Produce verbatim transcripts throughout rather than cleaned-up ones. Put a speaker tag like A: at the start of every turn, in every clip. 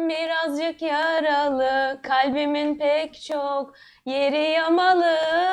A: Yüreğim birazcık yaralı, kalbimin pek çok yeri yamalı.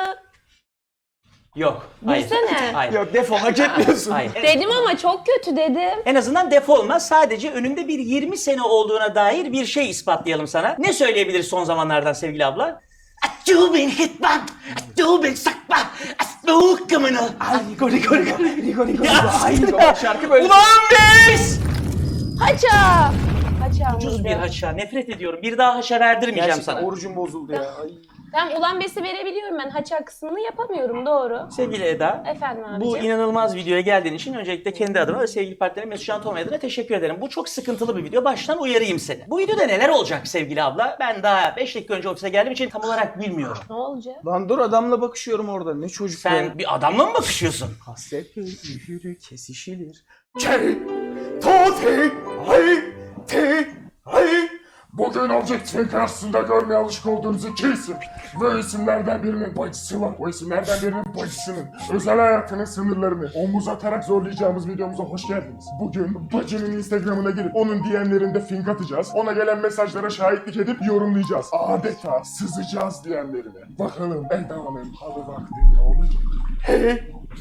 B: Yok. Hayır.
A: Girsene.
B: Hayır.
C: Yok defol, hak etmiyorsun.
B: Hayır.
A: Dedim ama çok kötü dedim.
B: En azından defolmaz. Sadece önünde bir yirmi sene olduğuna dair bir şey ispatlayalım sana. Ne söyleyebiliriz son zamanlardan sevgili abla? Atubin hitman, atubin sakma, atubin
C: Ay Niko Niko Niko Niko Niko Ay Niko şarkı böyle.
B: Ulan biz!
A: Haça! Haça
B: Ucuz
A: mıydı?
B: bir haşa. Nefret ediyorum. Bir daha haşa verdirmeyeceğim
C: Gerçekten
B: sana.
C: orucum bozuldu ya. Ay.
A: Ben ulan besi verebiliyorum, ben haça kısmını yapamıyorum, doğru.
B: Sevgili Eda,
A: Efendim abicim.
B: bu inanılmaz videoya geldiğin için öncelikle kendi adıma ve sevgili partnerim Mesut Can Tomay adına teşekkür ederim. Bu çok sıkıntılı bir video. Baştan uyarayım seni. Bu videoda neler olacak sevgili abla? Ben daha beş dakika önce ofise geldiğim için tam olarak bilmiyorum.
A: Ne olacak?
C: Lan dur, adamla bakışıyorum orada. Ne çocuk
B: Sen
C: ya.
B: bir adamla mı bakışıyorsun?
C: Hasret yürü kesişilir. Çey, toti, ay, ti, ay.
D: Bugün Objectif'in karşısında görmeye alışık olduğunuz iki isim ve isimlerden birinin bacısı var. O isimlerden birinin bacısının özel hayatının sınırlarını omuz atarak zorlayacağımız videomuza hoş geldiniz. Bugün bacının Instagram'ına girip onun D M'lerinde fink atacağız. Ona gelen mesajlara şahitlik edip yorumlayacağız. Adeta sızacağız D M'lerine. Bakalım Eda'nın halı vakti ne olacak?
C: Hey,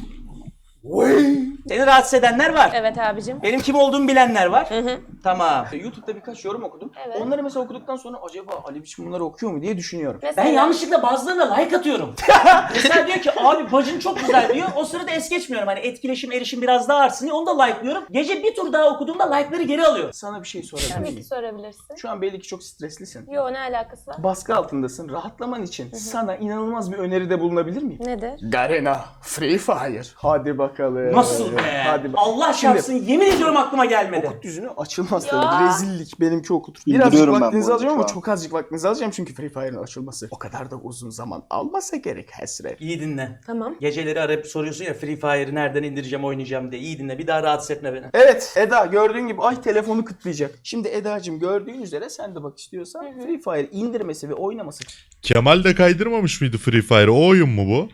C: wey.
B: Seni rahatsız edenler var.
A: Evet abicim.
B: Benim kim olduğumu bilenler var.
A: Hı hı.
B: Tamam.
C: YouTube'da birkaç yorum okudum.
A: Evet.
C: Onları mesela okuduktan sonra acaba Ali biçim bunları okuyor mu diye düşünüyorum.
A: Mesela...
B: Ben yanlışlıkla bazılarına like atıyorum. Mesela diyor ki abi bacın çok güzel diyor. O sırada es geçmiyorum. Hani etkileşim, erişim biraz daha artsın diye onu da like'lıyorum. Gece bir tur daha okuduğumda like'ları geri alıyor.
C: Sana bir şey sorabilir
A: Tabii ki
C: miyim?
A: sorabilirsin.
C: Şu an belli ki çok streslisin.
A: Yo, ne alakası var?
C: Baskı altındasın. Rahatlaman için sana inanılmaz bir öneride bulunabilir miyim?
A: Nedir?
C: Garena Free Fire. Hadi bakalım.
B: Nasıl be?
C: Hadi bak.
B: Allah şartsın yemin ediyorum aklıma gelmedi.
C: Okut düzünü açılmaz
A: Ya.
C: tabii. Rezillik. Benimki okutur. Birazcık
E: İndiriyorum ben
C: vaktinizi
E: bu
C: alacağım
E: arada
C: ama
E: şu an.
C: çok azıcık vaktinizi alacağım çünkü Free Fire'ın açılması o kadar da uzun zaman almasa gerek Hesre.
B: İyi dinle.
A: Tamam.
B: Geceleri arayıp soruyorsun ya Free Fire'ı nereden indireceğim oynayacağım diye. İyi dinle bir daha rahatsız etme beni.
C: Evet Eda, gördüğün gibi ay telefonu kıtlayacak. Şimdi Eda'cığım gördüğün üzere sen de bak istiyorsan Free Fire indirmesi ve oynaması.
F: Kemal de kaydırmamış mıydı Free Fire? O oyun mu bu?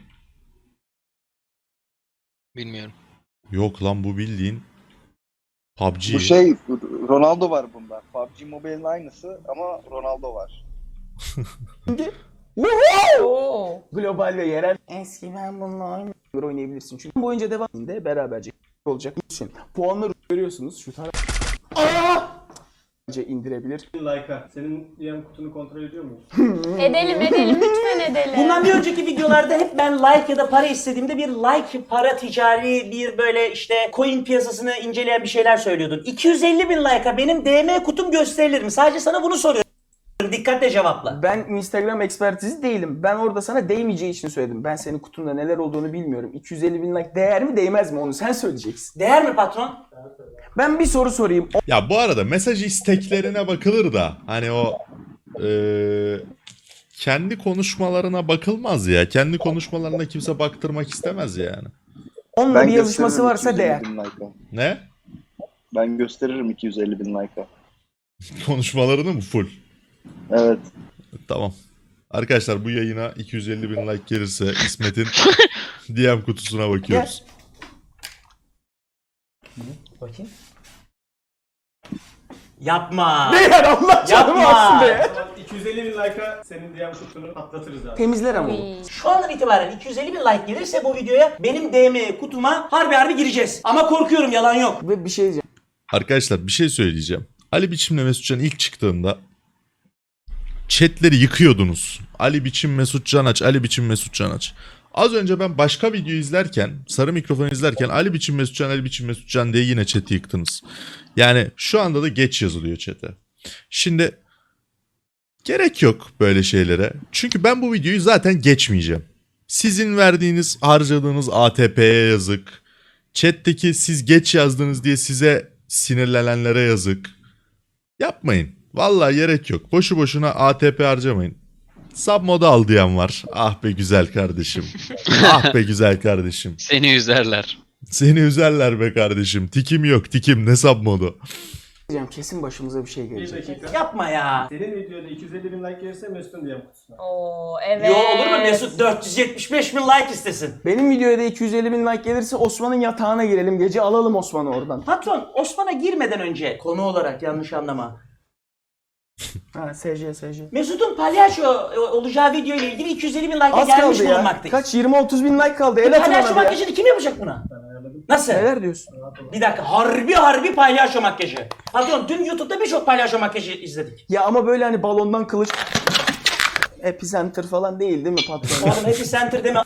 G: Bilmiyorum.
F: Yok lan bu bildiğin P U B G.
E: Bu şey Ronaldo var bunda. P U B G Mobile'in aynısı ama Ronaldo var.
C: Şimdi
A: Oo.
C: global ve yerel eski ben bununla aynı oynayabilirsin. Çünkü bu boyunca devam edinde beraberce olacak. Için puanları görüyorsunuz şu taraf. Aa! indirebilir.
H: Like'a. Senin D M kutunu kontrol ediyor muyuz?
A: Edelim edelim, lütfen edelim.
B: Bundan bir önceki videolarda hep ben like ya da para istediğimde bir like, para, ticari bir böyle işte coin piyasasını inceleyen bir şeyler söylüyordun. iki yüz elli bin like'a benim D M kutum gösterilir mi? Sadece sana bunu soruyorum. Dikkatle cevapla.
C: Ben Instagram ekspertizi değilim. Ben orada sana değmeyeceği için söyledim. Ben senin kutunda neler olduğunu bilmiyorum. iki yüz elli bin like değer mi değmez mi onu sen söyleyeceksin.
B: Değer mi patron?
C: Ben bir soru sorayım.
F: Ya bu arada mesaj isteklerine bakılır da hani o eee, kendi konuşmalarına bakılmaz ya. Kendi konuşmalarına kimse baktırmak istemez yani.
C: Onunla bir yazışması
E: gösteririm
C: varsa
E: iki yüz elli
C: değer.
E: bin like'a.
F: Ne?
E: Ben gösteririm iki yüz elli bin like'a.
F: Konuşmalarını mı full?
E: Evet.
F: Tamam. Arkadaşlar bu yayına iki yüz elli bin like gelirse İsmet'in D M kutusuna bakıyoruz.
B: Bakayım. Yapma.
C: Değer Allah canımı
B: Yapma.
C: alsın be.
H: iki yüz elli bin like'a senin D M kutunu patlatırız abi.
C: Temizler ama. o.
A: Uy.
B: Şu andan itibaren iki yüz elli bin like gelirse bu videoya benim D M kutuma harbi harbi gireceğiz. Ama korkuyorum yalan yok.
C: Ve bir şey diyeceğim.
F: Arkadaşlar bir şey söyleyeceğim. Ali Biçim'le Mesutcan ilk çıktığında chatleri yıkıyordunuz. Ali Biçim Mesut Can aç, Ali Biçim Mesut Can aç. Az önce ben başka video izlerken, sarı mikrofon izlerken Ali Biçim Mesut Can, Ali Biçim Mesut Can diye yine chat'i yıktınız. Yani şu anda da geç yazılıyor chat'e. Şimdi gerek yok böyle şeylere. Çünkü ben bu videoyu zaten geçmeyeceğim. Sizin verdiğiniz, harcadığınız A T P'ye yazık. Chat'teki siz geç yazdınız diye size sinirlenenlere yazık. Yapmayın. Vallahi gerek yok. Boşu boşuna A T P harcamayın. Sub moda al diyen var. Ah be güzel kardeşim. Ah be güzel kardeşim.
G: Seni üzerler.
F: Seni üzerler be kardeşim. Tikim yok tikim ne sub modu.
C: Diyeceğim, kesin başımıza bir şey
H: Bir
C: gelecek.
H: dakika.
B: Yapma ya.
H: Senin videoda iki yüz elli bin like gelirse Mesut'un D M kutusuna.
A: Oo evet.
B: Yo olur mu Mesut dört yüz yetmiş beş bin like istesin.
C: Benim videoya da iki yüz elli bin like gelirse Osman'ın yatağına girelim. Gece alalım Osman'ı oradan.
B: Patron Osman'a girmeden önce konu olarak yanlış anlama.
C: Ha S J S J.
B: Mesut'un palyaço olacağı video ile ilgili iki yüz elli bin like'a
C: Az
B: gelmiş
C: kaldı ya.
B: bulunmaktayız.
C: Kaç yirmi otuz bin like kaldı. El atın
B: Palyaço
C: ona be ya.
B: makyajını kim yapacak buna? Nasıl?
C: Neler diyorsun?
B: Bir dakika, harbi harbi palyaço makyajı. Pardon, dün YouTube'da birçok palyaço makyajı izledik.
C: Ya ama böyle hani balondan kılıç Epicenter falan değil değil mi patron?
B: Oğlum Happy Center deme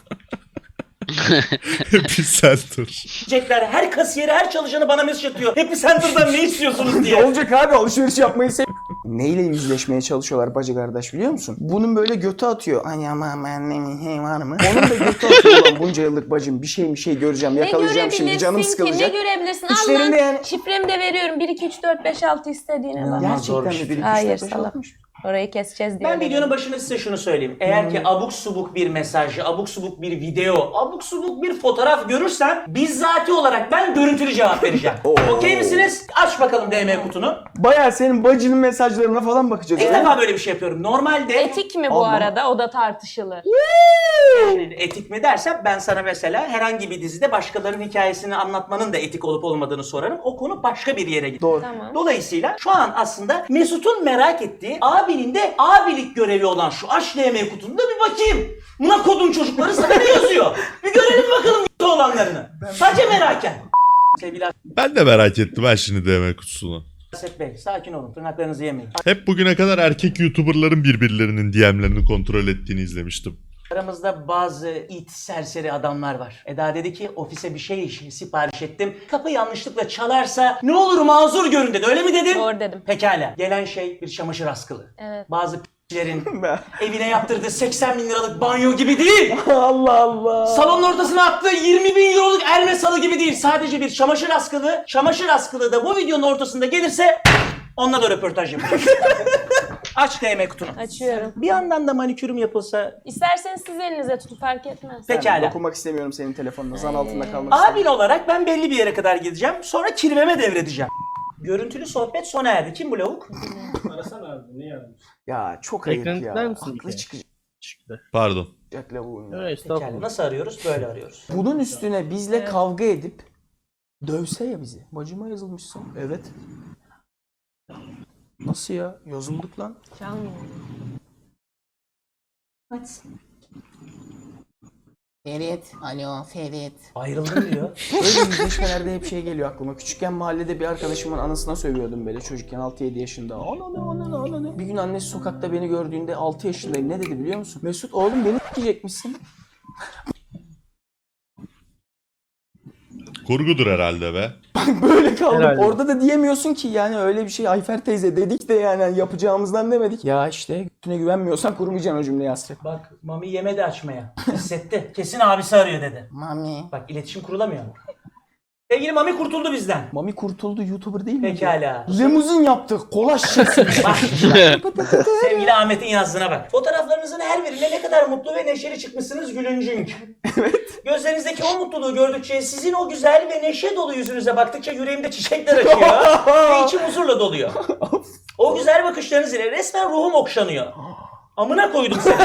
F: Epicenter.
B: diyecekler. Her kasiyeri, her çalışanı bana mesaj atıyor. Happy Center'dan ne istiyorsunuz
C: Ne
B: diye.
C: olacak abi, alışveriş yapmayı sev... Neyle yüzleşmeye çalışıyorlar bacı kardeş biliyor musun? Bunun böyle götü atıyor. Ay ama annemin hey var mı? Onun da götü atıyor ulan bunca yıllık bacım. Bir şey bir şey göreceğim, yakalayacağım şimdi, canım
A: ki?
C: sıkılacak.
A: Ne görebilirsin?
C: İçlerinde
A: Al lan,
C: yani-
A: şifremi de veriyorum. bir iki üç dört beş altı istediğine bak.
C: Gerçekten mi? Bir, iki, üç,
A: Hayır,
C: dört, beş,
A: salak.
C: altmış.
A: Orayı keseceğiz diye.
B: Ben videonun başında size şunu söyleyeyim. Eğer ki abuk subuk bir mesaj, abuk subuk bir video, abuk subuk bir fotoğraf görürsem bizzati olarak ben görüntülü cevap vereceğim. Okey misiniz? Aç bakalım D M kutunu.
C: Bayağı senin bacının mesajlarına falan bakacağız.
B: İlk
C: ha?
B: defa böyle bir şey yapıyorum. Normalde
A: Etik mi bu
C: Allah.
A: arada? O da tartışılır.
B: yani etik mi dersem ben sana mesela herhangi bir dizide başkalarının hikayesini anlatmanın da etik olup olmadığını sorarım. O konu başka bir yere gider.
C: Doğru.
A: Tamam.
B: Dolayısıyla şu an aslında Mesut'un merak ettiği abinin de abilik görevi olan şu aç D M kutunda bir bakayım. Buna kodum çocukları sana ne yazıyor? Bir görelim bakalım kötü olanlarını. Sadece meraken. Sevgili
F: Ben de merak ettim ben şimdi D M kutusunu.
B: Aset Bey sakin olun, tırnaklarınızı yemeyin.
F: Hep bugüne kadar erkek YouTuber'ların birbirlerinin D M'lerini kontrol ettiğini izlemiştim.
B: Aramızda bazı it serseri adamlar var. Eda dedi ki ofise bir şey sipariş ettim. Kapı yanlışlıkla çalarsa ne olur mazur görün dedi. Öyle mi dedim?
A: Doğru dedim.
B: Pekala. Gelen şey bir çamaşır askılı.
A: Evet.
B: Bazı p***lerin evine yaptırdığı seksen bin liralık banyo gibi değil.
C: Allah Allah.
B: Salonun ortasına attığı yirmi bin euroluk Hermes halı gibi değil. Sadece bir çamaşır askılı. Çamaşır askılı da bu videonun ortasında gelirse onunla da röportaj yapacağım. Aç D M kutunu.
A: Açıyorum.
B: Bir yandan da manikürüm yapılsa.
A: İsterseniz siz elinize tutun, fark etmez.
B: Pekala.
C: Dokunmak istemiyorum senin telefonuna. Zan altında kalmak
B: Abin
C: istemiyorum.
B: olarak ben belli bir yere kadar gideceğim. Sonra kirveme devredeceğim. Görüntülü sohbet sona erdi. Kim bu lavuk?
H: Arasana abi, niye aramış?
C: Ya çok ayıp
I: Ekran
C: ya.
I: tıklar mısın bir
C: Haklı
I: kere?
C: çıkacak
I: Çıktı.
F: Pardon.
C: lavuğun ya.
I: Öyle
B: Pekala.
I: estağfurullah.
B: Nasıl arıyoruz? Böyle arıyoruz.
C: Bunun üstüne bizle
A: Evet.
C: kavga edip dövse ya bizi. Bacıma yazılmışsın. Evet. Nasıl ya? Yazıldık lan.
A: Çalmıyor.
C: Ferit. Alo Ferit.
B: Ayrıldım diyor.
C: Öyle yüzleşmelerde hep şey geliyor aklıma. Küçükken mahallede bir arkadaşımın anasına sövüyordum böyle çocukken altı yedi yaşında. Ananı ananı ananı. Bir gün annesi sokakta beni gördüğünde altı yaşındayım. Ne dedi biliyor musun? Mesut oğlum beni s**ecekmişsin.
F: Kurgudur herhalde be.
C: Böyle kaldım.
I: Herhalde.
C: Orada da diyemiyorsun ki yani öyle bir şey. Ayfer teyze dedik de yani yapacağımızdan demedik. Ya işte götüne güvenmiyorsan kurmayacaksın o cümleyi Hasret.
B: Bak Mami yemedi açmaya. Hissetti. Kesin abisi arıyor dedi.
C: Mami.
B: Bak iletişim kurulamıyor. Sevgili Mami kurtuldu bizden.
C: Mami kurtuldu, YouTuber değil mi?
B: Pekala.
C: Limuzin yaptık. Kola şişesi.
B: Bak, sevgili Ahmet'in yazdığına bak. Fotoğraflarınızın her birine ne kadar mutlu ve neşeli çıkmışsınız gülüncünk. Evet. Gözlerinizdeki o mutluluğu gördükçe, sizin o güzel ve neşe dolu yüzünüze baktıkça yüreğimde çiçekler açıyor ve içim huzurla doluyor. O güzel bakışlarınız ile resmen ruhum okşanıyor. Amına koydum seni.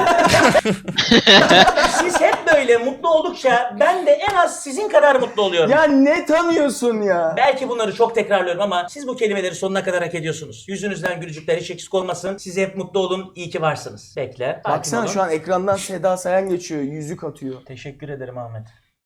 B: Siz hep böyle mutlu oldukça ben de en az sizin kadar mutlu oluyorum.
C: Ya ne tanıyorsun ya?
B: Belki bunları çok tekrarlıyorum ama siz bu kelimeleri sonuna kadar hak ediyorsunuz. Yüzünüzden gülücükler hiç eksik olmasın. Siz hep mutlu olun. İyi ki varsınız. Bekle. sakin
C: Baksana
B: olun.
C: şu an ekrandan Seda Sayan geçiyor. Yüzük atıyor.
B: Teşekkür ederim Ahmet.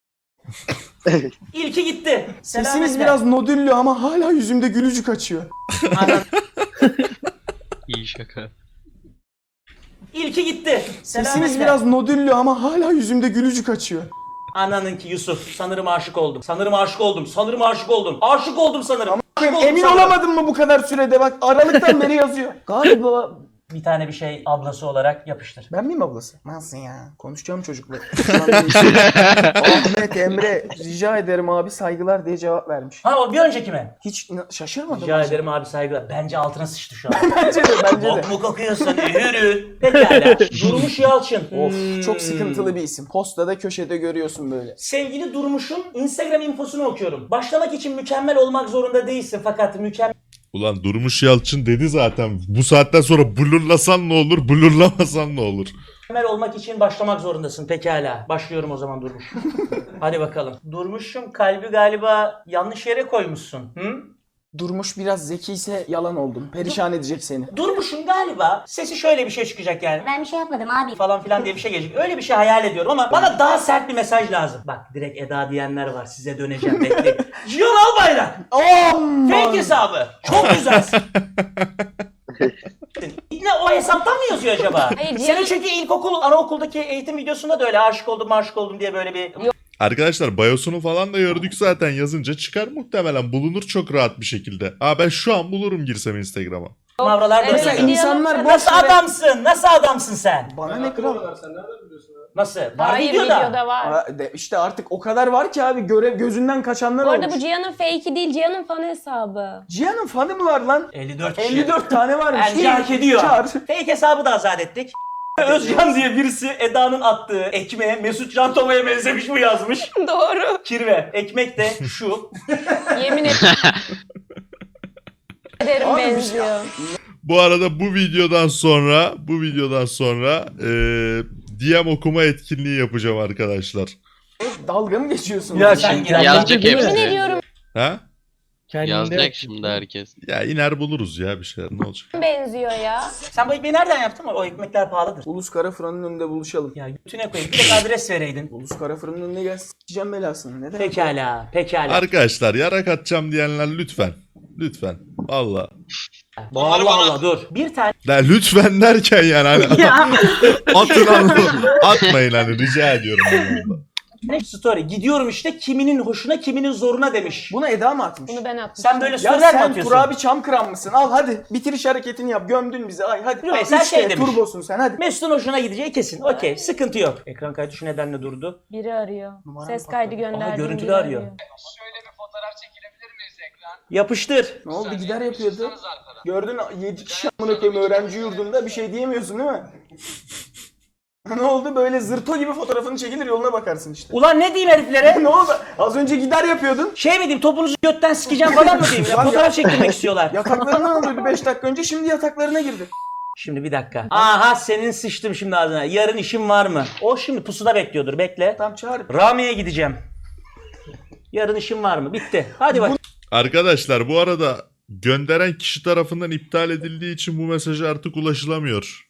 B: İlki gitti.
C: Sesiniz
B: Selametle.
C: biraz nodüllü ama hala yüzümde gülücük açıyor.
B: Anan-
G: İyi şaka.
B: İlki gitti.
C: Sesiniz
B: Selametle.
C: biraz nodüllü ama hala yüzümde gülücük açıyor.
B: Ananınki Yusuf. Sanırım aşık oldum. Sanırım aşık oldum. Sanırım aşık oldum. Aşık oldum sanırım. Aşık oldum
C: Emin
B: sanırım.
C: olamadın mı bu kadar sürede? Bak Aralık'tan beri yazıyor. Galiba...
B: Bir tane bir şey ablası olarak yapıştır.
C: Ben miyim ablası? Nasıl ya? Konuşacağım çocukla. Ahmet, Emre rica ederim abi saygılar diye cevap vermiş.
B: Ha o bir önceki mi?
C: Hiç ina- şaşırmadım.
B: Rica ederim abi saygılar. Bence altına sıçtı şu an.
C: Bence de bence de.
B: Bok mu kokuyorsun? Yürü. Pekala. Durmuş Yalçın.
C: Of
B: Hmm.
C: çok sıkıntılı bir isim. Postada köşede görüyorsun böyle.
B: Sevgili Durmuş'un Instagram infosunu okuyorum. Başlamak için mükemmel olmak zorunda değilsin fakat mükemmel
F: Ulan Durmuş Yalçın dedi zaten. Bu saatten sonra blurlasan ne olur, blurlamasan ne olur?
B: olmak için başlamak zorundasın. Pekala. Başlıyorum o zaman Durmuş. Hadi bakalım. Durmuş'um kalbi galiba yanlış yere koymuşsun. Hı?
C: Durmuş biraz zekiyse yalan oldun. Perişan edecek seni.
B: Durmuş'un galiba sesi şöyle bir şey çıkacak yani.
I: Ben bir şey yapmadım abi.
B: Falan filan diye bir şey gelecek. Öyle bir şey hayal ediyorum ama bana daha sert bir mesaj lazım. Bak direkt Eda diyenler var. Size döneceğim bekleyin. Cihan Albayrak.
C: Aman!
B: Fake hesabı. Çok güzelsin. Ne o hesaptan mı yazıyor acaba?
A: Hayır,
B: Senin
A: Cihan-
B: çünkü ilkokul, anaokuldaki eğitim videosunda da öyle aşık oldum, aşık oldum diye böyle bir...
F: Arkadaşlar bayosunu falan da gördük zaten, yazınca çıkar muhtemelen, bulunur çok rahat bir şekilde. Aa ben şu an bulurum girsem Instagram'a.
B: Mavralar
A: Evet,
B: dönüyor.
A: Cihan-
C: İnsanlar boş
B: Nasıl
C: yere-
B: adamsın? Nasıl adamsın sen?
C: Bana ne kral?
H: Sen nereden biliyorsun abi?
B: Nasıl? Var
A: Hayır
B: videoda.
A: videoda var.
C: Aa, de- İşte artık o kadar var ki abi, görev gözünden kaçanlar
A: Bu arada
C: olmuş.
A: bu Cihan'ın fake'i değil, Cihan'ın fan hesabı.
C: Cihan'ın fanı mı var lan?
B: elli dört kişi.
C: elli dört tane varmış.
B: Bence
C: İyi,
B: hak ediyor.
C: çağır.
B: Fake hesabı da azat ettik. Özcan diye birisi Eda'nın attığı ekmeğe Mesut Can Toma'ya benzemiş mi yazmış.
A: Doğru.
B: Kirve. Ekmek de şu.
A: Yemin ederim
C: Abi bir şey-
A: benziyor.
F: Bu arada bu videodan sonra bu videodan sonra eee D M okuma etkinliği yapacağım arkadaşlar.
C: Dalga mı geçiyorsun?
B: Ya sen gel.
G: Yazacak
A: Yemin
G: hepsi.
A: ediyorum
F: Ha?
G: Yazacak şimdi herkes.
F: Ya iner buluruz ya bir şeyler, ne olacak?
A: benziyor ya.
B: Sen bu ekmeği nereden yaptın? O ekmekler pahalıdır.
C: Ulus Kara Fırın'ın önünde buluşalım.
B: Ya götüne koyayım. Bir de adres vereydin.
C: Ulus Kara Fırın'ın önüne gel, s**eceğim belasını. Neden?
B: Pekala. Pekala.
F: Arkadaşlar yarak atacağım diyenler lütfen. Lütfen. Valla.
B: Allah Allah dur. Bir tane.
F: Ya lütfen derken yani hani atın anlamı. Atmayın hani, rica ediyorum. anlamında.
B: Story. Gidiyorum işte kiminin hoşuna kiminin zoruna demiş.
C: Bunu Eda mı atmış?
A: Bunu ben atmıştım.
B: Sen böyle
C: Ya
B: storyler mi
C: sen
B: atıyorsun?
C: Turabi Çamkıran mısın? Al hadi bitiriş hareketini yap. Gömdün bizi. Ay hadi.
B: Yok, sen
C: Üç
B: şey
C: kere
B: demiş.
C: turbosun sen hadi.
B: Mesut'un hoşuna gideceği kesin. Okey. Sıkıntı yok. Ekran kaydı şu nedenle durdu.
A: Biri arıyor.
C: Numaram
A: Ses
C: patladı.
A: kaydı gönderdim.
B: Aha, görüntülü
A: biri
B: arıyor. Yapıştır.
C: Ne oldu, gider yapıyordu. Gördün yedi kişi amına koyayım öğrenci yurdunda, bir şey diyemiyorsun değil mi? Ne oldu, böyle zırto gibi fotoğrafını çekilir yoluna bakarsın işte.
B: Ulan ne diyeyim heriflere?
C: Ne oldu? Az önce gider yapıyordun.
B: Şey mi diyeyim, topunuzu götten sikeceğim falan mı diyeyim? Ya,
C: Lan
B: fotoğraf
C: ya-
B: çektirmek istiyorlar.
C: Yataklarından alıyordu beş dakika önce, şimdi yataklarına girdi.
B: Şimdi bir dakika. Aha senin sıçtım şimdi ağzına. Yarın işim var mı? O şimdi pusuda bekliyordur. Bekle.
C: Tam çağır.
B: Rami'ye gideceğim. Yarın işim var mı? Bitti. Hadi bak.
F: Arkadaşlar bu arada gönderen kişi tarafından iptal edildiği için bu mesaj artık ulaşılamıyor.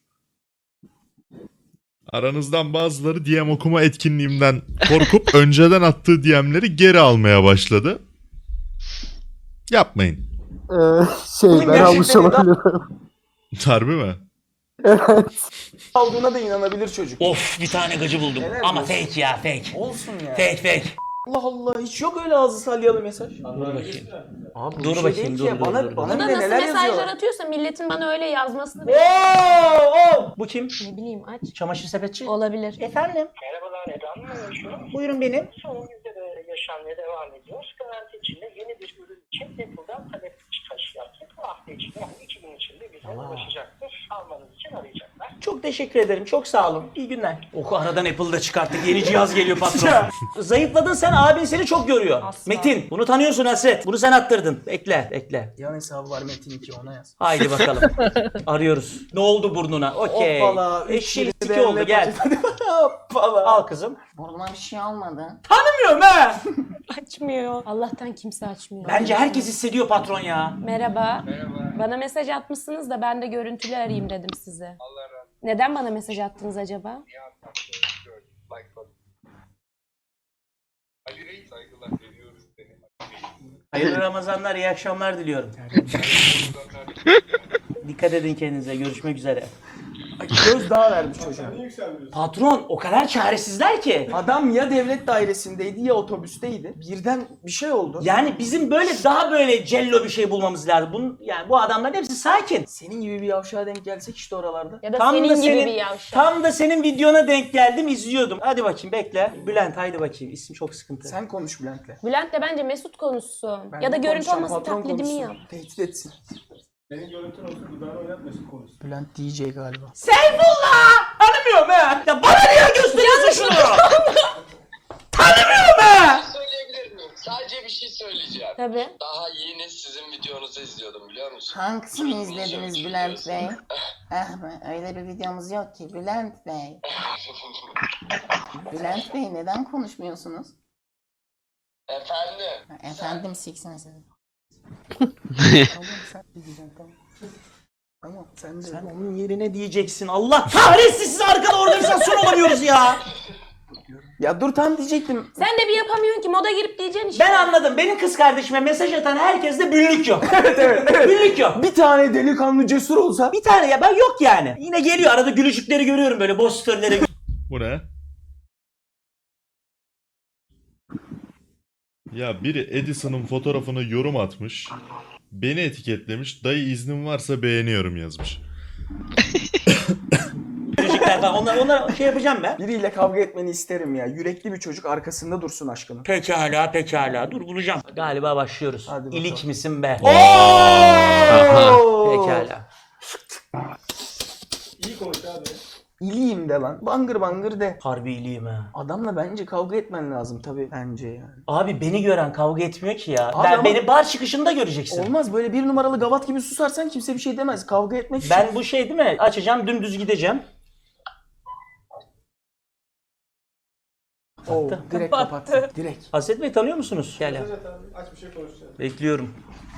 F: Aranızdan bazıları D M okuma etkinliğimden korkup önceden attığı D M'leri geri almaya başladı. Yapmayın.
C: Şey ben almış olabilirim.
F: Harbi mi?
C: Aldığına da inanabilir çocuk.
B: Of bir tane gıcı buldum.
C: Helal
B: Ama
C: olsun.
B: fake ya fake.
C: Olsun ya.
B: Fake fake.
C: Allah Allah, hiç yok öyle ağzı salyalı mesaj.
B: Dur bakayım.
C: Abi bu
B: Dur
C: bir şey
B: bakayım,
C: değil
B: dur,
C: ki.
B: dur,
C: Bana,
B: dur, dur.
C: bana
A: Bu da
C: bile
A: nasıl
C: neler
A: mesajlar
C: yazıyor.
A: atıyorsa milletin bana öyle yazmasını
B: Oo, oo. Bu kim?
A: ne bileyim aç.
B: Çamaşır sepetçi.
A: Olabilir.
B: Efendim?
J: Merhabalar, Eda Hanım konuşuyor.
B: Buyurun benim.
J: Son yüzde de yaşanmaya devam ediyoruz. Garanti içinde yeni bir ürün için Apple'dan talep çıkışı yaptık. Bu hafta içinde, yani iki gün içinde bize ulaşacaktır. Almanız için arayacaklar.
B: Çok teşekkür ederim. Çok sağ olun. İyi günler. Oku aradan Apple'da çıkarttık. Yeni cihaz geliyor patron. Zayıfladın sen. Abin seni çok görüyor.
A: Asla.
B: Metin. Bunu tanıyorsun Hasret. Bunu sen attırdın. Bekle. Bekle.
C: Yan hesabı var Metin iki, ona yaz.
B: Haydi bakalım. Arıyoruz. Ne oldu burnuna? Okey.
C: Hoppala.
B: Eşeği
C: üç
B: iki oldu. Gel.
C: Hoppala.
B: Al kızım.
I: Burnuma bir şey olmadı.
B: Tanımıyorum ha.
A: Açmıyor. Allah'tan kimse açmıyor.
B: Bence herkes hissediyor patron ya.
A: Merhaba. Merhaba. Bana mesaj atmışsınız da ben de görüntülü arayayım dedim size. Allah razı olsun. Neden bana mesaj attınız acaba?
B: Hayırlı Ramazanlar, iyi akşamlar diliyorum. Dikkat edin kendinize. Görüşmek üzere.
C: Ay, Gözdağı vermiş çocuğa.
B: Patron o kadar çaresizler ki.
C: Adam ya devlet dairesindeydi ya otobüsteydi. Birden bir şey oldu.
B: Yani bizim böyle daha böyle cello bir şey bulmamız lazım. Bunun, yani bu adamların hepsi sakin.
C: Senin gibi bir yavşağa denk gelsek işte oralarda.
A: Ya da
B: Tam
A: senin
B: da
A: gibi
B: senin,
A: bir yavşak.
B: tam da senin videona denk geldim, izliyordum. Hadi bakayım bekle. Bülent haydi bakayım. İsim çok sıkıntı.
C: Sen konuş Bülent'le.
A: Bülent de bence Mesut konuşsun.
C: Ben
A: ya da
C: de
A: görüntü
C: konuşacağım,
A: olması
C: patron
A: taklidimi
C: konuşsun.
A: yap.
C: Tehdit etsin.
H: Senin görüntün olsun, dudağını oynatmasın konuşsun.
C: Bülent D J galiba.
B: Seyfullah! Tanımıyorum ha. Ya bana niye gösteriyorsun şunu? Tanımıyorum ha.
J: Söyleyebilir miyim? Sadece bir şey söyleyeceğim.
A: Tabii.
J: Daha yeni sizin videonuzu izliyordum biliyor musun?
I: Hangisini izlediniz Bülent Bey? Ah, öyle bir videomuz yok ki Bülent Bey. Bülent Bey neden konuşmuyorsunuz?
J: Efendim?
I: Efendim siksiniz.
C: Tamam sen de diyeceksin tamam. Tamam sen de.
B: Sen onun yerine diyeceksin. Allah kahretsin, siz arkada organizasyon olamıyoruz ya.
C: Ya dur tam diyecektim.
A: Sen de bir yapamıyorsun ki moda girip diyeceksin işte.
B: Ben anladım. Benim kız kardeşime mesaj atan herkeste büllük yok.
C: Evet evet evet.
B: Büllük yok.
C: Bir tane delikanlı cesur olsa.
B: Bir tane ya ben yok yani. Yine geliyor arada gülücükleri görüyorum böyle boş storyleri.
F: Bu ne? Ya biri Edison'ın fotoğrafına yorum atmış. Beni etiketlemiş. Dayı iznin varsa beğeniyorum yazmış.
B: Gülücükler falan onlar, onlar şey yapacağım ben.
C: Biriyle kavga etmeni isterim ya. Yürekli bir çocuk arkasında dursun aşkının.
B: Pekala pekala dur bulacağım. Galiba başlıyoruz.
C: Hadi bakalım.
B: İlik misin be?
C: Oo!
B: Pekala.
H: İyi konuş abi.
C: İliyim de lan. Bangır bangır de.
B: Harbi iyiyim ha.
C: Adamla bence kavga etmen lazım tabii. Bence yani.
B: Abi beni gören kavga etmiyor ki ya.
C: Abi
B: ben
C: ama-
B: beni bar çıkışında göreceksin.
C: Olmaz böyle bir numaralı gavat gibi susarsan kimse bir şey demez. Kavga etmek için.
B: Ben bu şey değil mi? Açacağım dümdüz gideceğim.
C: Oo, direkt kapattı. Direkt.
B: Hasret Bey tanıyor musunuz? Gel ya.
H: Evet abi aç bir şey konuşacağız.
B: Bekliyorum.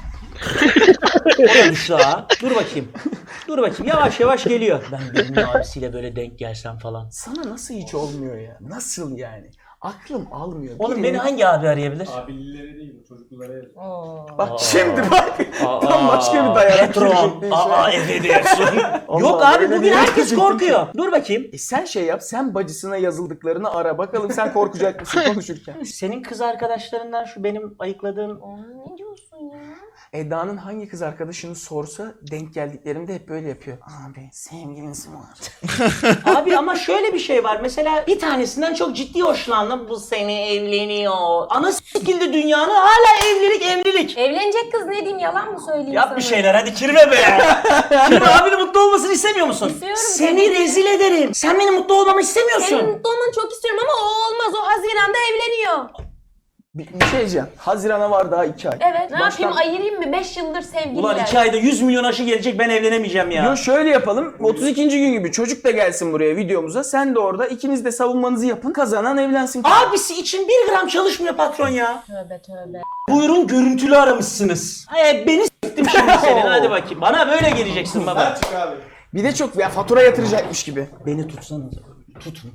B: O da düştü ha. Dur bakayım. Dur bakayım. Yavaş yavaş geliyor. Ben birinin abisiyle böyle denk gelsem falan.
C: Sana nasıl hiç olmuyor ya? Nasıl yani? Aklım almıyor.
B: Oğlum
C: Birinin-
B: beni hangi abi arayabilir?
H: Abilileri değil bu çocuklara yazıyor.
C: Bak
B: Aa.
C: şimdi bak.
B: Aa,
C: Tam başka bir dayanak
B: Patron.
C: girecekti işe.
B: Aa evet diyorsun.
C: Allah
B: Yok
C: Allah,
B: abi
C: öyle
B: bugün
C: bir
B: herkes
C: yapacaktık
B: korkuyor. Dur bakayım.
C: E sen şey yap. Sen bacısına yazıldıklarını ara. Bakalım sen korkacak mısın konuşurken?
B: Senin kız arkadaşlarından şu benim ayıkladığım...
A: Ne diyorsun ya?
C: Eda'nın hangi kız arkadaşını sorsa denk geldiklerimde hep böyle yapıyor. Abi sevgilisi var.
B: Abi ama şöyle bir şey var. Mesela bir tanesinden çok ciddi hoşlandım. Bu seni evleniyor. Ana s**kildi dünyanı hala evlilik evlilik.
A: Evlenecek kız ne diyeyim, yalan mı söyleyeyim
B: Yap
A: sana?
B: bir şeyler hadi kirve be. Kirve abinin mutlu olmasını istemiyor musun?
A: İstiyorum
B: Seni
A: tabii ki.
B: rezil ederim. Sen benim mutlu olmamı istemiyorsun.
A: Senin mutlu olmanı çok istiyorum ama o olmaz. O Haziran'da evleniyor.
C: Bir, bir şey diyeceğim. Haziran'a var daha iki ay.
A: Evet. Ne
C: Baştan-
A: yapayım, ayırayım mı? beş yıldır sevgililer.
B: Ulan iki ayda yüz milyon aşı gelecek ben evlenemeyeceğim ya.
C: Yo şöyle yapalım. otuz ikinci gün gibi çocuk da gelsin buraya videomuza. Sen de orada ikiniz de savunmanızı yapın. Kazanan evlensin.
B: Abisi için bir gram çalışmıyor patron ya.
A: Tövbe tövbe.
B: Buyurun görüntülü aramışsınız. Ay, beni s**tim şimdi senin hadi bakayım. Bana böyle geleceksin baba.
H: Sen çık abi.
C: Bir de çok ya fatura yatıracakmış gibi.
B: Beni tutsanız. Tutun.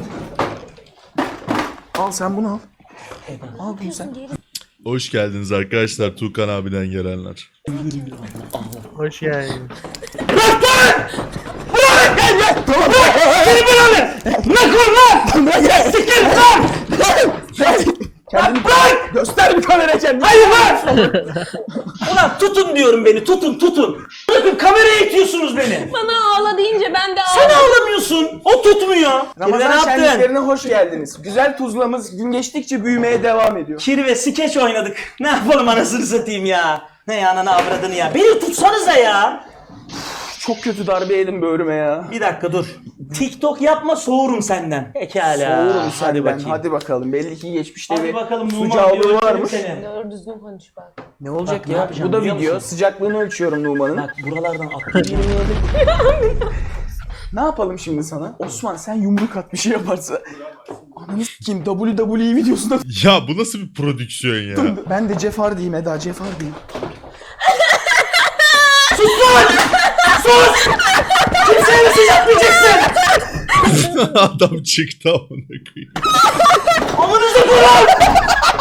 C: Al sen bunu al. Al bunu sen.
F: Hoş geldiniz arkadaşlar Tuğkan abiden gelenler.
G: Hoş geldin.
C: Kendini göster bir kamera kendini.
B: Hayır lan! Ulan tutun diyorum beni tutun tutun. Bırakın kameraya itiyorsunuz beni.
A: Bana ağla deyince ben de
B: Sen
A: ağladım.
B: ağlamıyorsun. O tutmuyor. Kirve ne
C: Ramazan
B: yaptın?
C: şenliklerine hoş geldiniz. Güzel tuzlamız gün geçtikçe büyümeye devam ediyor.
B: Kirve skeç oynadık. Ne yapalım anasını satayım ya. Ne ananı avradını ya. Beni tutsanıza ya.
C: Çok kötü darbe yedim böğrüme ya.
B: Bir dakika dur. TikTok yapma soğurum senden. Pekala.
C: Soğurum
B: Hadi
C: senden.
B: bakayım.
C: Hadi bakalım. Belli ki geçmişte
B: Hadi
C: bir
B: bakalım
C: su
B: Numan bir
C: cağlığı
B: ölçelim
C: varmış.
B: seni.
A: Doğru düzgün konuş bak.
C: Ne olacak
B: Bak, ne
C: ya?
B: yapacağım
C: Bu da
B: biliyor
C: video.
B: musun?
C: Sıcaklığını ölçüyorum Numan'ın.
B: Bak buralardan atlayacağım.
C: Ne yapalım şimdi sana? Osman sen yumruk at bir şey yaparsa. Ananı s**eyim W W E videosunda.
F: Ya bu nasıl bir prodüksiyon ya?
C: Ben de Jeff Hardy'yim Eda Jeff Hardy'yim.
B: Kimseye mesaj yapmayacaksın.
F: Adam çıktı amına koyayım.
B: Amanızı kurun.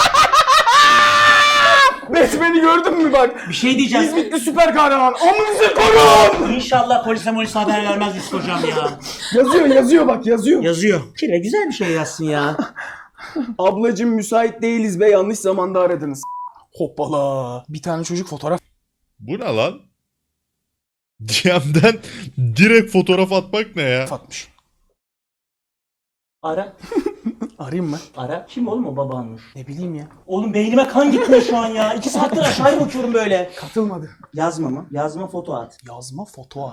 C: Batman'i gördün mü bak?
B: Bir şey diyeceğim.
C: İzmitli süper kahraman. Amınızı korun.
B: İnşallah polise molise haber vermez Yusuf hocam ya.
C: Yazıyor yazıyor bak yazıyor.
B: Yazıyor. Kirve güzel bir şey yazsın ya.
C: Ablacım müsait değiliz be yanlış zamanda aradınız. Hoppala. Bir tane çocuk fotoğraf
F: Bu ne lan? D M'den direkt fotoğraf atmak ne ya?
C: atmış.
B: Ara.
C: Arayayım mı?
B: Ara. Kim oğlum o babanmış?
C: Ne bileyim ya.
B: Oğlum beynime kan gitmiyor şu an ya. İki saattir aşağıya bakıyorum böyle.
C: Katılmadı.
B: Yazma mı? Yazma foto at.
C: Yazma foto at.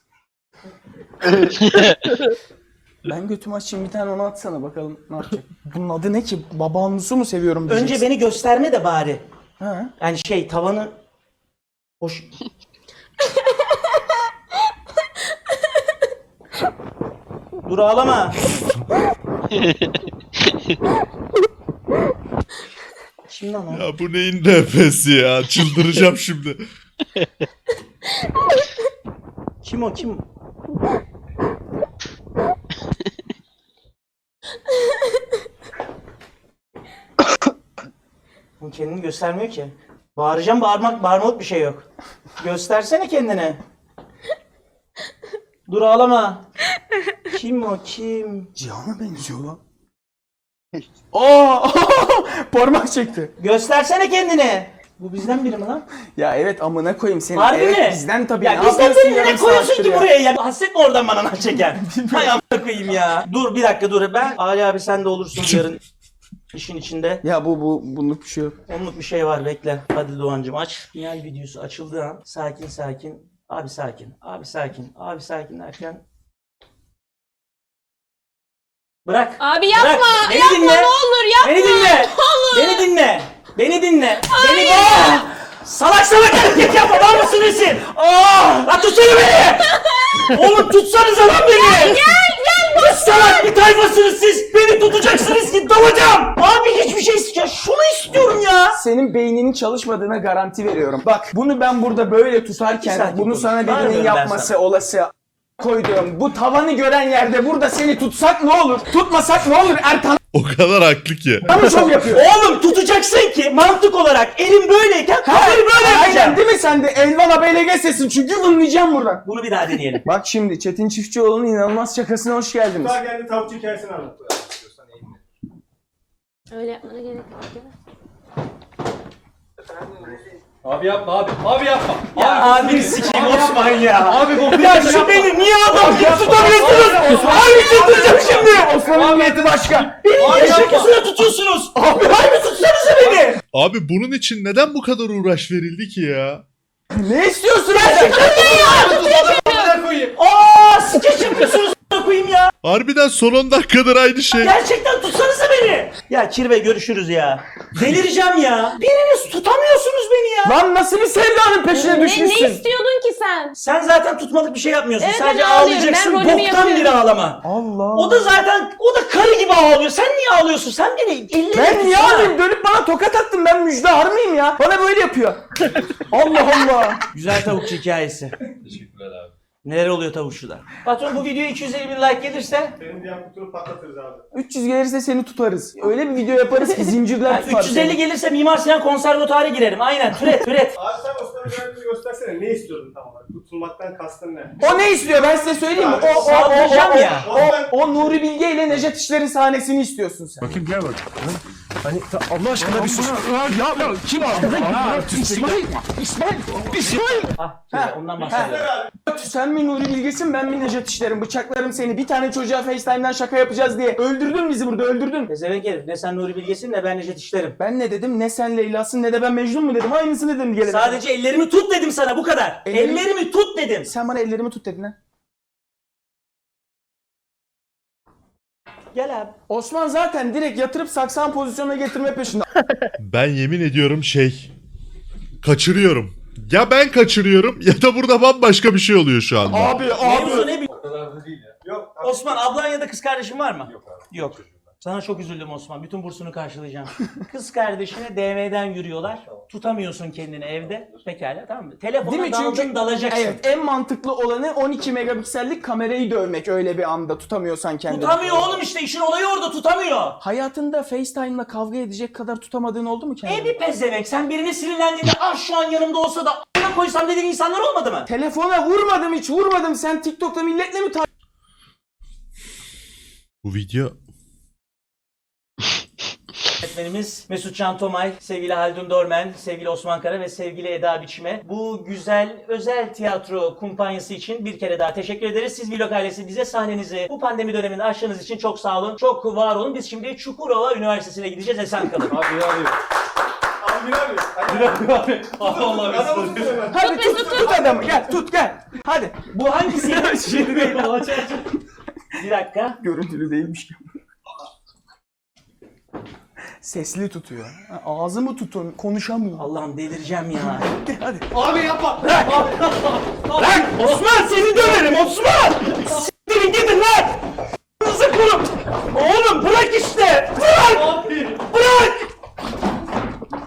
C: Ben götümü açayım bir tane onu atsana bakalım ne yapacak. Bunun adı ne ki? Babanlısı mı seviyorum diyeceksin.
B: Önce beni gösterme de bari.
C: Ha?
B: Yani şey tavanı... Hoş... Dur ağlama. Şimdi Kim lan o?
F: Ya bu neyin nefesi ya? Çıldıracağım şimdi.
B: Kim o kim? Bu kendini göstermiyor ki. Bağıracağım, bağırmak, bağırmalık bir şey yok. Göstersene kendini. Dur ağlama. Kim o kim?
C: Cihan'a benziyor lan. Aa! Parmak çekti.
B: Göstersene kendini. Bu bizden biri mi lan?
C: Ya evet amına koyayım seni.
B: Harbi
C: evet
B: mi?
C: bizden tabii.
B: Ya
C: Ne
B: bizden
C: yapıyorsun
B: biri ne
C: yarım
B: koyuyorsun
C: saattir
B: ki
C: ya?
B: buraya ya? Hasret mi oradan bana lan çeken? Hay amına koyayım ya. Dur bir dakika dur. Ben Ali abi sen de olursun yarın işin içinde.
C: Ya bu bu bunluk bir şey yok.
B: Onluk bir şey var bekle. Hadi Doğancım aç. Final videosu açıldığı an sakin sakin. Abi sakin. Abi sakin. Abi sakin derken. Bırak.
A: Abi yapma.
B: Bırak. Beni
A: Yapma
B: dinle.
A: ne olur yapma.
B: Beni dinle.
A: Ne olur.
B: Beni dinle. Beni dinle. Beni dinle. Salak salak hareket yapma. Var mısın nesin? Aa! Lan tutsana beni. Oğlum tutsanıza lan beni. Gel gel. Ne salak bir tayfasınız siz. Beni tutacaksınız ki dalacağım. Abi hiçbir şey istiyor. Şunu istiyorum ya.
C: Senin beyninin çalışmadığına garanti veriyorum. Bak bunu ben burada böyle tutarken
B: Sakin
C: bunu
B: konuş.
C: sana birinin
B: Bağırmıyorum ben
C: yapması
B: sana.
C: olası koyduğum bu tavanı gören yerde burada seni tutsak ne olur? Tutmasak ne olur? Ertan
F: O kadar haklı ki.
C: mı şov yapıyor?
B: Oğlum tutacaksın ki mantık olarak elim böyleyken kafayı böyle
C: Aynen
B: yapacağım.
C: değil mi sen de Elvan abeyle geçsesin çünkü vınlayacağım buradan.
B: Bunu bir daha deneyelim.
C: Bak şimdi Çetin Çiftçioğlu'nun inanılmaz şakasına hoş geldiniz.
H: Daha geldi tavukçu hikayesini anlat.
A: Öyle yapmana gerek yok.
H: Abi yapma abi. Abi yapma.
B: Ya abi sikeyim Osman ya.
H: Abi bu
B: Ya şu beni niye adam gibi tutamıyorsunuz? Abi tutacağım şimdi.
C: Osman'ın niyeti başka.
B: Beni niye şakasına tutuyorsunuz? Abi abi tutsanıza beni.
F: Abi bunun için neden bu kadar uğraş verildi ki ya?
C: Ne istiyorsun?
B: Gerçekten ne ya?
H: koyayım.
B: Aaa skeç yapıyorsunuz a**ına koyayım ya.
F: Harbiden son on dakikadır aynı şey.
B: Gerçekten tutsanıza beni. Ya Kirve görüşürüz ya. Delireceğim ya. Biriniz tutamıyorsunuz beni ya.
C: Lan nasıl bir sevdanın peşine
A: Ne, ne
C: düşmüşsün?
A: istiyordun ki sen?
B: Sen zaten tutmalık bir şey yapmıyorsun.
A: Evet,
B: Sadece
A: ben ağlıyorum.
B: ağlayacaksın.
A: Ben rolümü
B: Boktan bir
A: yapıyorum.
B: ağlama.
C: Allah.
B: O da zaten o da karı gibi ağlıyor. Sen niye ağlıyorsun? Sen beni ellerine
C: Ben niye
B: tutsana.
C: alayım? Dönüp bana tokat attın. Ben müjdar mıyım ya? Bana böyle yapıyor. Allah Allah.
B: Güzel tavukçu hikayesi.
H: Teşekkürler abi.
B: Neler oluyor tavukçuda? Patron bu videoya iki yüz elli bin like gelirse
H: Senin diğer kutunu patlatırız abi.
C: üç yüz gelirse seni tutarız. Öyle bir video yaparız ki zincirler
B: yani
C: tutar
B: üç yüz elli
C: seni.
B: gelirse Mimar Sinan konservatuara girerim. Aynen türet türet.
H: Abi sen Osman'ın özelliğini göstersene. Ne istiyordun tam olarak? Tutulmaktan kastın ne?
C: O ne istiyor ben size söyleyeyim mi? O, o, o, o,
B: Saldıracağım
C: o,
B: ya.
C: o, o Nuri Bilge ile Nejat İşler'in sahnesini istiyorsun sen.
D: Bakayım gel bak. Hani Allah aşkına bir sus. Ya ya kim aldı? İsmail. İsmail. İsmail.
B: Ah Kirve, ondan bahsediyorum.
C: Sen mi Nuri Bilge'sin ben mi Nejat İşler'im? Bıçaklarım seni. Bir tane çocuğa FaceTime'dan şaka yapacağız diye. Öldürdün bizi burada öldürdün.
B: Pezevenk herif. Ne sen Nuri Bilge'sin ne ben Necdet İşler'im.
C: Ben ne dedim? Ne sen Leyla'sın ne de ben Mecnun mu dedim? Aynısını dedim gelene.
B: Sadece ellerimi tut dedim sana bu kadar.
C: Ellerimi-
B: Ellerimi tut dedim.
C: Sen bana ellerimi tut dedin ha.
B: Gel abi.
C: Osman zaten direkt yatırıp saksan pozisyonuna getirme peşinde.
F: Ben yemin ediyorum şey... Kaçırıyorum. Ya ben kaçırıyorum ya da burada bambaşka bir şey oluyor şu anda.
C: Abi
B: Mevzu ne
H: O kadar da değil ya. Yok abi.
B: Osman ablan ya da kız kardeşin var mı?
H: Yok abi.
B: Yok. Sana çok üzüldüm Osman. Bütün bursunu karşılayacağım. Kız kardeşine D M'den yürüyorlar. Tutamıyorsun kendini evde. Pekala tamam mı?
C: Değil
B: Telefona
C: mi?
B: daldın
C: Çünkü
B: dalacaksın.
C: evet en mantıklı olanı on iki megapiksellik kamerayı dövmek öyle bir anda tutamıyorsan kendini.
B: Tutamıyor oğlum işte işin olayı orada tutamıyor.
C: Hayatında FaceTime'la kavga edecek kadar tutamadığın oldu mu kendini?
B: E bir pezevenk sen birine sinirlendiğinde ah şu an yanımda olsa da a**ına koysam dediğin insanlar olmadı mı?
C: Telefona vurmadım hiç vurmadım. Sen TikTok'ta milletle mi tar-
F: Bu video...
B: Öğretmenimiz Mesut Can Tomay, sevgili Haldun Dormen, sevgili Osman Kara ve sevgili Eda Biçme. Bu güzel özel tiyatro kumpanyası için bir kere daha teşekkür ederiz. Siz Vlog ailesi bize sahnenizi bu pandemi döneminde aştığınız için çok sağ olun. Çok var olun. Biz şimdi Çukurova Üniversitesi'ne gideceğiz. Esen kalın.
H: Abi abi. Abi abi. Abi abi. Allah Mesut.
C: Hadi tut tut adamı gel tut gel. Hadi.
B: Bu hangisi?
C: Şimdi değil.
B: Bir dakika.
C: Görüntülü değilmiş ki. Sesli tutuyor. Ha, ağzımı tutun konuşamıyor.
B: Allah'ım delireceğim ya.
C: Hadi.
H: Abi yapma.
B: Lan Osman seni döverim Osman! S**tirin gidin lan! Kızı kurum! Oğlum bırak işte! Bırak!
H: Abi.
B: Bırak!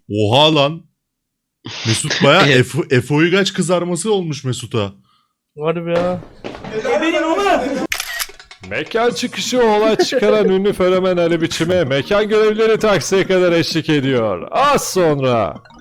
F: Oha lan. Mesut baya Efe, Efe Uygaç kızarması olmuş Mesut'a.
G: Var be ya.
B: Ebenin oğlum.
K: Mekan çıkışı olay çıkaran ünlü fenomen Ali Biçim'e mekan görevlileri taksiye kadar eşlik ediyor. Az sonra.